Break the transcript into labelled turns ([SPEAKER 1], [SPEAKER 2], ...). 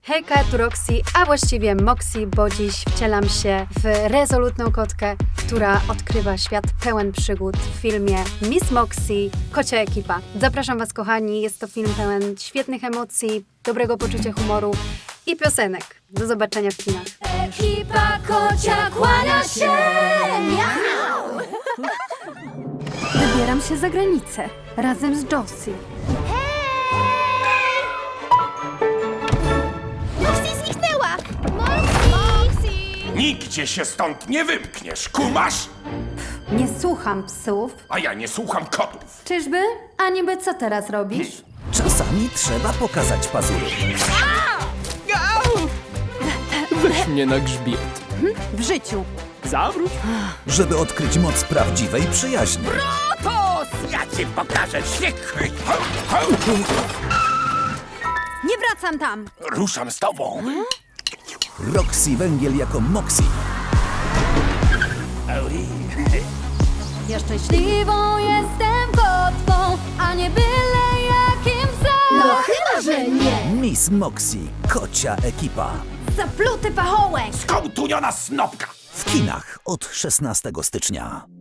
[SPEAKER 1] Hejka, tu Roxy, a właściwie Moxie, bo dziś wcielam się w rezolutną kotkę, która odkrywa świat pełen przygód w filmie Miss Moxie, Kocia Ekipa. Zapraszam Was, kochani, jest to film pełen świetnych emocji, dobrego poczucia humoru i piosenek. Do zobaczenia w kinach.
[SPEAKER 2] Ekipa kocia kłania się! Miau!
[SPEAKER 1] Wybieram się za granicę, razem z Josie.
[SPEAKER 2] Moxie zniknęła! Moxie!
[SPEAKER 3] Nigdzie się stąd nie wymkniesz, kumasz?
[SPEAKER 1] Nie słucham psów.
[SPEAKER 3] A ja nie słucham kotów.
[SPEAKER 1] Czyżby? A niby co teraz robisz?
[SPEAKER 4] Czasami trzeba pokazać pazury.
[SPEAKER 5] Weź mnie na grzbiet.
[SPEAKER 1] W życiu.
[SPEAKER 5] Zawróć.
[SPEAKER 4] Żeby odkryć moc prawdziwej przyjaźni.
[SPEAKER 3] Ja ci pokażę świek.
[SPEAKER 1] Nie wracam tam!
[SPEAKER 3] Ruszam z tobą.
[SPEAKER 4] Roxy Węgiel jako Moxie.
[SPEAKER 1] Ja szczęśliwą jestem kotką, a nie byle jakim psem.
[SPEAKER 2] No chyba, że nie!
[SPEAKER 4] Miss Moxie, Kocia Ekipa.
[SPEAKER 1] Zapluty pachołek!
[SPEAKER 3] Skołtuniona snopka.
[SPEAKER 4] W kinach od 16 stycznia.